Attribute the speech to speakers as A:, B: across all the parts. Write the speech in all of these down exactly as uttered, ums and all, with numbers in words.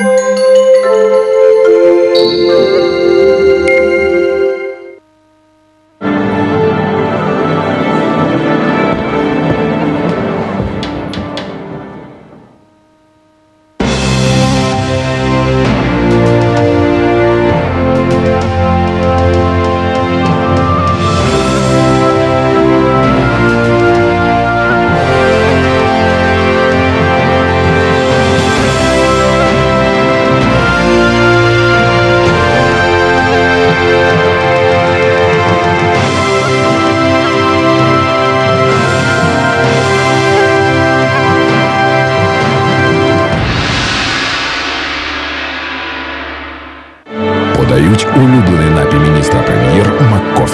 A: Подають улюблений напій міністра прем'єр МакКофі.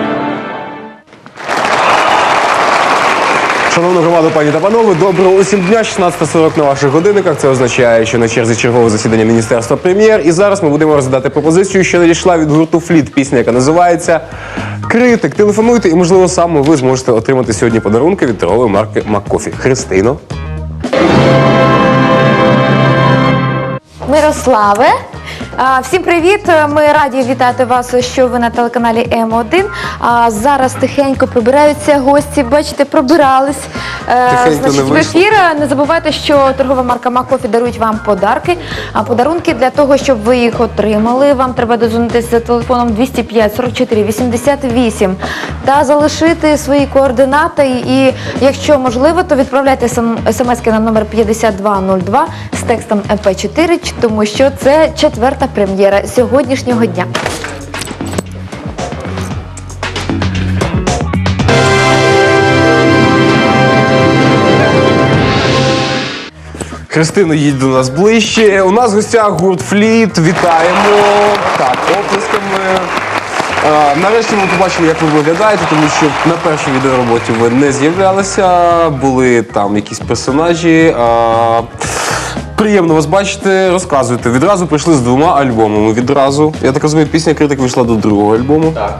B: Шановна громада, пані та панове, доброго усім дня, шістнадцята сорок на ваших годинниках. Це означає, що на черзі чергове засідання Міністерства прем'єр. І зараз ми будемо розглядати пропозицію, що надійшла від гурту «Фліт». Пісня, яка називається «Критик». Телефонуйте і, можливо, саме ви зможете отримати сьогодні подарунки від торгової марки МакКофі. Христино.
C: Мирославе. Всім привіт! Ми раді вітати вас, що ви на телеканалі М один. Зараз тихенько прибираються гості, бачите, пробирались.
B: Тихенько
C: Значить,
B: не
C: в ефір. Не забувайте, що торгова марка МакКофі дарують вам подарки. А подарунки для того, щоб ви їх отримали, вам треба дозвонитися за телефоном двісті п'ять сорок чотири вісімдесят вісім та залишити свої координати. І якщо можливо, то відправляйте смс-ки на номер п'ятдесят два нуль два з текстом ем пе чотири, тому що це четверта прем'єра сьогоднішнього дня.
B: Христино, їдь до нас ближче. У нас в гостях гурт «Фліт». Вітаємо. Так, оплесками. А, нарешті ми побачили, як ви виглядаєте, тому що на першій відеороботі ви не з'являлися, були там якісь персонажі. А, приємно вас бачити, розказуйте. Відразу прийшли з двома альбомами. Відразу. Я так розумію, пісня «Критик» вийшла до другого альбому.
D: Так.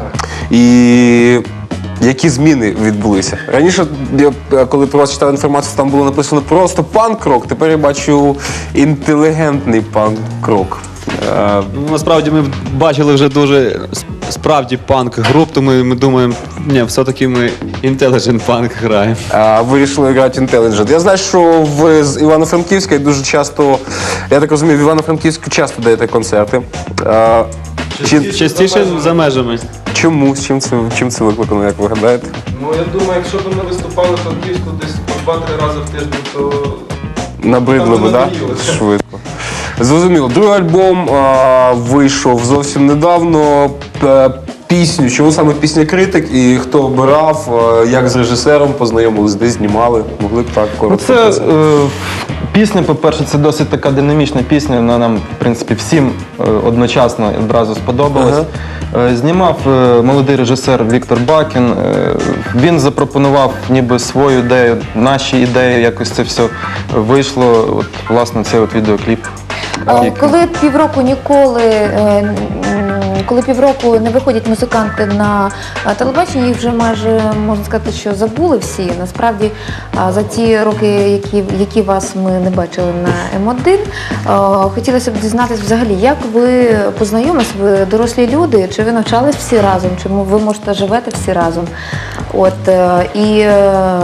B: І які зміни відбулися? Раніше, я, коли про вас читав інформацію, там було написано просто панк-рок, тепер я бачу інтелігентний панк-рок.
D: Ну, насправді ми бачили вже дуже справді панк-груп, тому ми думаємо, ні, все-таки ми інтеліджент панк граємо.
B: А, вирішили грати інтеліджент. Я знаю, що ви з Івано-Франківська і дуже часто, я так розумію, в Івано-Франківську часто даєте концерти. А, чи,
D: Частіше за межами.
B: чому? З чим це, чим це викликано, як ви гадаєте?
E: Ну, я думаю, якщо б ми виступали в Франківську десь по два-три рази в тиждень, то
B: Набридло би, так?
E: надоїло.
B: Швидко. Зрозуміло. Другий альбом а, вийшов зовсім недавно. П- Пісню, чому саме пісня «Критик» і хто обирав, а, як з режисером познайомились, де знімали? Могли б так
F: Ну,
B: коротко
F: це
B: сказати?
F: е, пісня, по-перше, це досить така динамічна пісня, вона нам, в принципі, всім е, одночасно одразу сподобалась.
B: Ага.
F: Е, знімав е, молодий режисер Віктор Бакін. Е, він запропонував ніби свою ідею, наші ідеї, якось це все вийшло. От, власне, цей от відеокліп.
C: А, Коли півроку ніколи, е, м, коли півроку не виходять музиканти на е, телебачення, їх вже майже, можна сказати, що забули всі. Насправді, а, за ті роки, які, які вас ми не бачили на М один, е, хотілося б дізнатися взагалі, як ви познайомились, ви дорослі люди, чи ви навчались всі разом, чи ви, можете, живете всі разом. От, е, і е,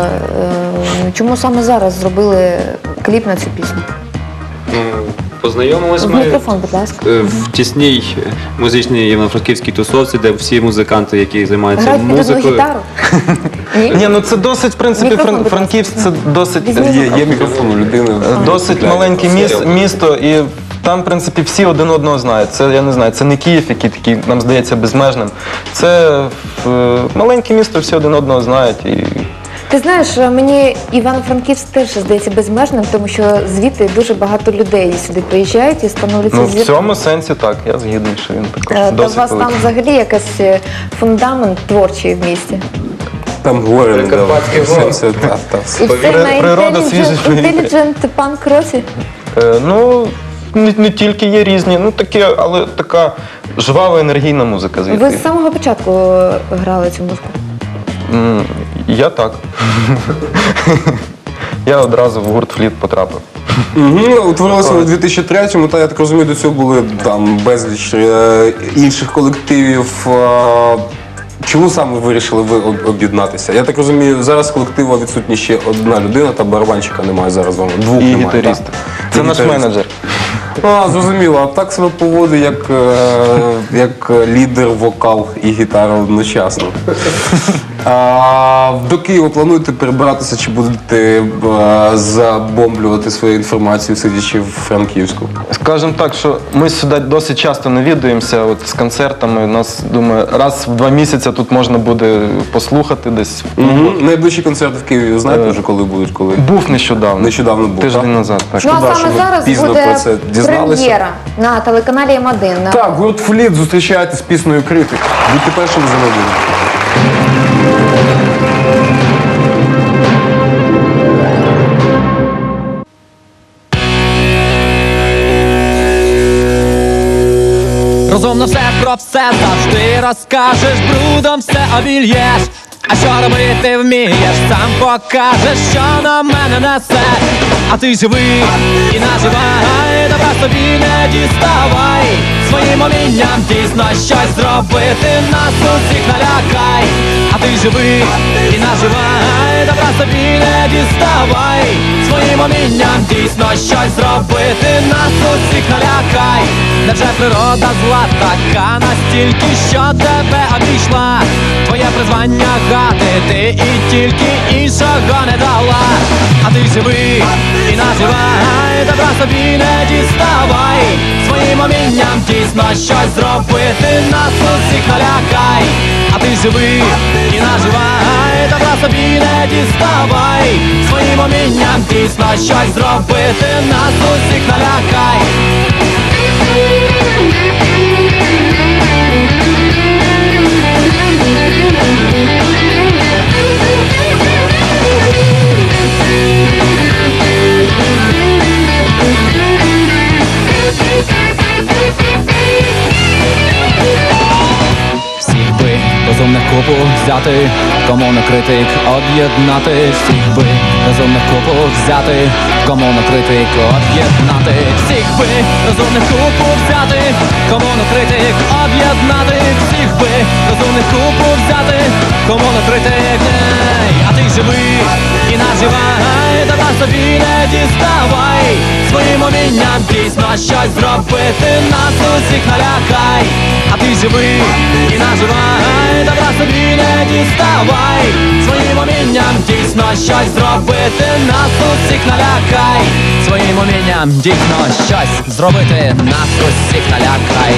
C: е, чому саме зараз зробили кліп на цю пісню?
D: Познайомились
C: В
D: ми
C: мікрофон, будь ласка.
D: е, в тісній музичній івано-франківській тусовці, де всі музиканти, які займаються
C: Грають під одну
D: музикою.
C: гітару? Ні?
F: Ні, ну це досить, в принципі,
C: Мікрофон,
F: Фран-
C: будь ласка.
F: Франківськ це досить,
C: Візьміть
B: Є, є мікрофон у людини.
F: досить маленьке міс- місто, і там, в принципі, всі один одного знають. Це, я не знаю, це не Київ, який такий, нам здається, безмежним. Це е, маленьке місто, всі один одного знають. І
C: Ти знаєш, мені Івано-Франківськ теж здається безмежним, тому що звідти дуже багато людей сюди приїжджають і становляться
F: ну, в
C: зірками.
F: цьому сенсі так, я згідний, що він також
C: Е, Та у
F: досить
C: вас там
F: великий.
C: взагалі якийсь е, фундамент творчий в місті.
B: Там говорили,
D: Прикарпатський
B: да,
D: голос.
B: все, так, так.
C: І це на
F: природа свіжить повітря.
C: інтеліджент панк-році.
F: Е, ну, не, не тільки є різні, ну таке, але така жвава, енергійна музика звідти.
C: Ви з самого початку е, грали цю музику?
F: М, Я так. я одразу в гурт «Фліт» потрапив.
B: Угу, утворилося у дві тисячі третьому, та я так розумію, до цього були там безліч е, інших колективів. Е, чому саме ви вирішили ви об- об'єднатися? Я так розумію, зараз колективу відсутня ще одна людина, та барабанщика немає зараз вдома. Двох
F: І
B: немає.
F: гітарист.
B: так?
F: Це
B: І
F: наш
B: гітарист.
F: менеджер.
B: А, зрозуміло, а так себе поводить як, е, як лідер, вокал і гітара одночасно. А, до Києва плануєте перебиратися чи будете е, забомблювати свою інформацію, сидячи в Франківську?
F: Скажемо так, що ми сюди досить часто навідуємося от, з концертами. У нас, думаю, раз в два місяці тут можна буде послухати десь.
B: Угу. Найближчі концерти в Києві знаєте
F: Е,
B: вже, коли будуть? Коли?
F: Був нещодавно.
B: Нещодавно був,
F: Тиждень
B: так?
F: назад. Так.
C: Ну
B: Шкода,
C: а
B: що
C: саме
B: ви
C: зараз
B: пізно
C: буде
B: про це дізналися.
C: прем'єра на телеканалі М один.
B: Так, гурт «Фліт» зустрічаєте з піснею «Критик». Будьте першими за новинами.
G: Розумно все про все завжди розкажеш, брудом все обільєш. А що робити вмієш, сам покажеш, що на мене несе. А ти живи і наживай, добра собі не діставай. Своїм умінням дійсно щось зробити, нас усіх налякай. А ти живи і наживай, добра собі не діставай. Своїм умінням дійсно щось зробити, нас усіх налякай. Невже природа зла така настільки, що тебе обійшла? Твоє призвання гатити і тільки іншого не дала. А ти живи і наживай, добра собі не діставай. Своїм умінням дійсно щось зробити, нас усіх налякай. А ти живи і наживай, добра собі не діставай. Своїм умінням дійсно щось зробити, нас усіх налякай. Всіх би розумних купу взяти, кому на критик об'єднати. Всіх би розумних купу взяти, кому на критик об'єднати. Всіх би розумних купу взяти, кому на критик об'єднати. Всіх би розумних купу взяти, кому на критик. Ей, а ти живи і наживай, добра собі не діставай. Своїм умінням дійсно щось зробити, нас усіх налякай. А ти живи і наживай, добра собі не діставай. Своїм умінням дійсно щось зробити, нас усіх налякай. Своїм умінням дійсно щось зробити, нас усіх налякай.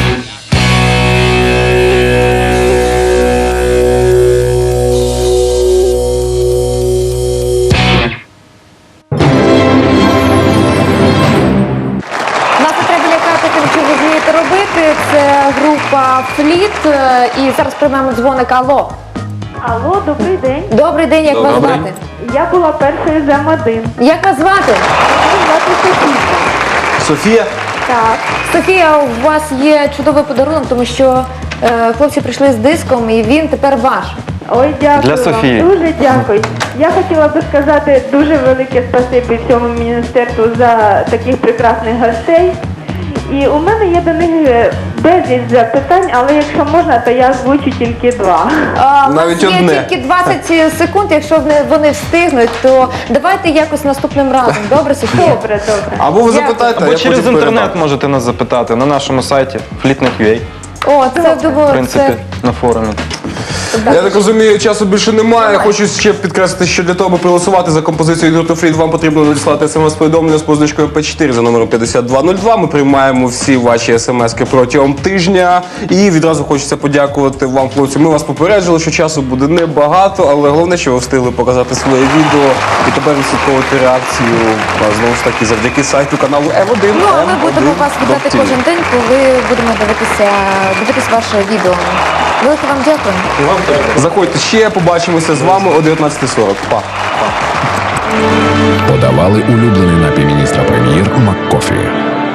C: Нас не треба лякати тим, що ви вмієте робити. Це група «Фліт». е, І зараз приймемо дзвоник. Алло.
H: Алло, добрий день.
C: Добрий день, як вас
B: Добрий.
C: звати?
H: Я була першою з М один.
C: Як вас звати?
H: Мене звати Софія.
B: Софія?
H: Так.
C: Софія, у вас є чудовий подарунок, тому що е, хлопці прийшли з диском і він тепер ваш.
H: Ой, дякую
F: Для
H: вам.
F: Софії.
H: Дуже дякую. Я хотіла би сказати дуже велике спасибі всьому міністерству за таких прекрасних гостей. І у мене є до них е, безліч запитань, але якщо можна, то я озвучу тільки два.
C: А, у
B: Навіть
C: нас є
B: одне.
C: тільки двадцять секунд, якщо вони, вони встигнуть, то давайте якось наступним разом. Добре, Софія?
H: Добре, добре.
B: Або ви
C: Дякую.
B: запитайте, а
F: Або
B: я
F: через
B: потім
F: інтернет
B: передам.
F: можете нас запитати на нашому сайті фліт.ua,
C: О, це
F: в
C: думаю,
F: принципі, на форумі.
C: це...
B: Я так розумію, часу більше немає. Хочу ще підкреслити, що для того, аби проголосувати за композицію гурту «Фліт», вам потрібно надіслати смс-повідомлення з позначкою П чотири за номером п'ятдесят два нуль два. Ми приймаємо всі ваші смски протягом тижня. І відразу хочеться подякувати вам, хлопці. Ми вас попереджили, що часу буде небагато, але головне, що ви встигли показати своє відео і тепер відслідковувати реакцію, а, знову ж таки, завдяки сайту каналу М один.
C: Ну, а ми
B: М
C: будемо
B: один
C: вас вітати
B: Доктів.
C: кожен день, коли будемо дивитися, дивитися ваше відео. Велике вам дякую.
B: Заходьте ще, побачимося з вами о дев'ятнадцятій сорок. Па.
A: Подавали улюблений напій міністра прем'єр МакКофі.